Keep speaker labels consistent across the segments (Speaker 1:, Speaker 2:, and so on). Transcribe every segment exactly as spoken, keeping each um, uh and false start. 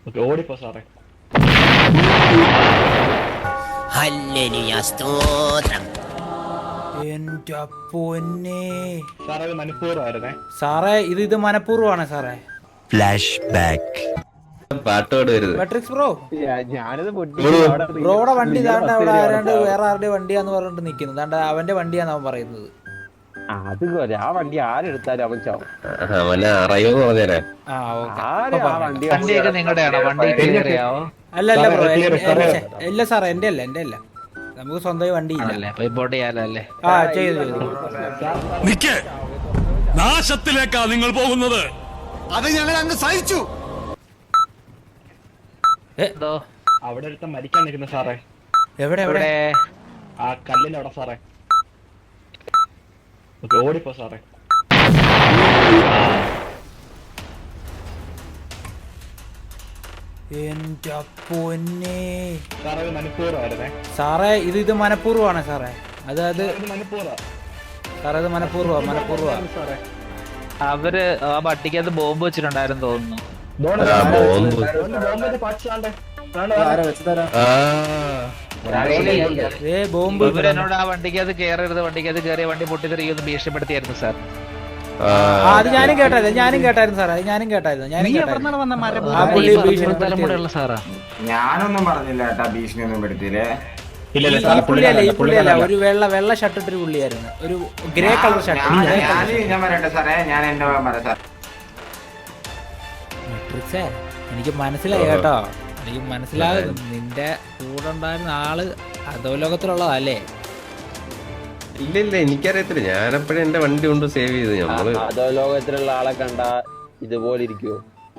Speaker 1: ഓടിപ്പോ സാറേ.
Speaker 2: ഹല്ലേലൂയ സ്തോത്രം.
Speaker 3: എന്റെ പൊന്നേ
Speaker 1: സാറേ ഇത് മനഃപൂർവ്വമായിരുന്നേ
Speaker 3: സാറേ, ഇത് ഇത് മനഃപൂർവ്വമാണ് സാറേ.
Speaker 2: Flash back.
Speaker 4: പാട്ടോട് വരുന്നത്
Speaker 3: മെട്രിക്സ് ബ്രോ,
Speaker 5: ഞാനിത്
Speaker 3: ബ്രോയുടെ വണ്ടി ദാണ്ട് അവിടെ ആരാണ്ട് വേറെ ആരുടെ വണ്ടിയാന്ന് പറഞ്ഞിട്ട് നിൽക്കുന്നു. ദാണ്ട് അവന്റെ വണ്ടിയാന്ന് അവൻ പറയുന്നത്.
Speaker 5: അത് പോരെ, ആ വണ്ടി ആരെടുത്താലും അവൻ ചാവും.
Speaker 4: അവനെ അറിയോന്ന് പറഞ്ഞേരാ.
Speaker 3: ആ ഓക്കെ.
Speaker 5: ആര് ആ വണ്ടി
Speaker 6: വണ്ടിയൊക്കെ നിങ്ങളുടെയാണോ? വണ്ടി ക്ലിയറിയാവോ?
Speaker 3: അല്ല അല്ല ബ്രോ, ഇല്ല സാറേ, എന്റെ അല്ല എന്റെ അല്ല. നമുക്ക് സ്വന്തമായി വണ്ടി ഇല്ല.
Speaker 6: അപ്പൊ ഇമ്പോർട്ട് ചെയ്യാലോ അല്ലേ?
Speaker 3: ആ ചെയ്തു ചെയ്തു.
Speaker 7: നിക്ക്, നാശത്തിലേക്കാ നിങ്ങൾ പോകുന്നത്. അത് ഞങ്ങൾ അങ്ങ് സഹിച്ചു.
Speaker 6: എന്തോ
Speaker 1: അവിടെ ഒരുത്തൻ മരിക്കാൻ നിൽക്കുന്നു സാറേ.
Speaker 3: എവിടെ എവിടെ?
Speaker 1: ആ കല്ലിന്റെ അവിടെ സാറേ. ഓടിപ്പോ സാറേ.
Speaker 3: എന്റെ പൊന്നേ
Speaker 1: സാറേ ഇത് മനഃപൂർവ്വമായിരുന്നേ.
Speaker 3: സാറേ, ഇത് ഇത് മനഃപൂർവ്വമാണ് സാറേ. അതായത്
Speaker 1: ഇത് മനഃപൂർവ്വം
Speaker 3: സാറേ, ഇത് മനഃപൂർവ്വ മനഃപൂർവ്വ
Speaker 1: സാറേ.
Speaker 6: അവര് ആ പട്ടിക്കകത്ത് ബോംബ് വെച്ചിട്ടുണ്ടായിരുന്നു തോന്നുന്നു. ഏ ബോംബ്. ഇവരെന്നോട് ആ വണ്ടിക്കകത്ത് കയറരുത്, വണ്ടിക്കകത്ത് കയറിയ വണ്ടി പൊട്ടിത്തെറിയൊന്ന് ഭീഷണിപ്പെടുത്തിയായിരുന്നു സാർ.
Speaker 3: ആ, അത് ഞാനും കേട്ടായിരുന്നു ഞാനും കേട്ടായിരുന്നു സാറേ, അത് ഞാനും കേട്ടായിരുന്നു ഞാനും കേട്ടായിരുന്നു. ആ പുള്ളി ഭീഷണിപ്പെടുത്തിയുള്ള
Speaker 6: സാറാ.
Speaker 8: ഞാനൊന്നും പറഞ്ഞില്ല കേട്ടാ, ഭീഷണി ഒന്നും പെടുത്തില്ലേ.
Speaker 3: ഈ പുള്ളിയല്ല ഈ പുള്ളിയല്ല ഒരു വെള്ള വെള്ള ഷർട്ട് ഇട്ടൊരു പുള്ളിയായിരുന്നു, ഒരു ഗ്രേ കളർ ഷർട്ട്.
Speaker 8: ഞാൻ പറയട്ടെ സാറേ, ഞാൻ എന്റെ പറയാം സാർ.
Speaker 3: മെട്രിക്സേ, എനിക്ക് മനസ്സിലായി കേട്ടോ, എനിക്ക് മനസ്സിലാകും. നിന്റെ കൂടെ ഉണ്ടായിരുന്ന ആള് അധോലോകത്തിലുള്ളതല്ലേ?
Speaker 4: ഇല്ല ഇല്ല, എനിക്കറിയത്തില്ല. ഞാനപ്പോഴും എന്റെ വണ്ടി കൊണ്ട് സേവ് ചെയ്ത് നമ്മള്.
Speaker 5: അതോ ലോകത്തിലുള്ള ആളെ കണ്ട ഇതുപോലെ ഇരിക്കുവോ?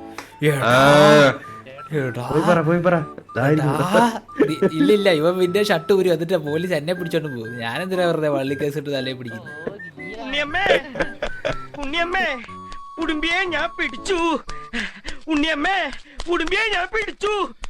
Speaker 3: ഇല്ല ഇല്ല, ഇവൻ പിന്നെ ഷർട്ട് ഊരി എന്നിട്ട് പോലീസ് എന്നെ പിടിച്ചോണ്ട് പോകും. ഞാനെന്തിനാ വെറുതെ വള്ളി കേസ് ഇട്ട് തലേ പിടിക്കുന്നു?
Speaker 9: ഉണ്ണിയമ്മേ, ഉടുമ്പിയെ ഞാൻ പിടിച്ചു. ഉണ്ണിയമ്മേ, ഉടുമ്പിയെ ഞാൻ പിടിച്ചു.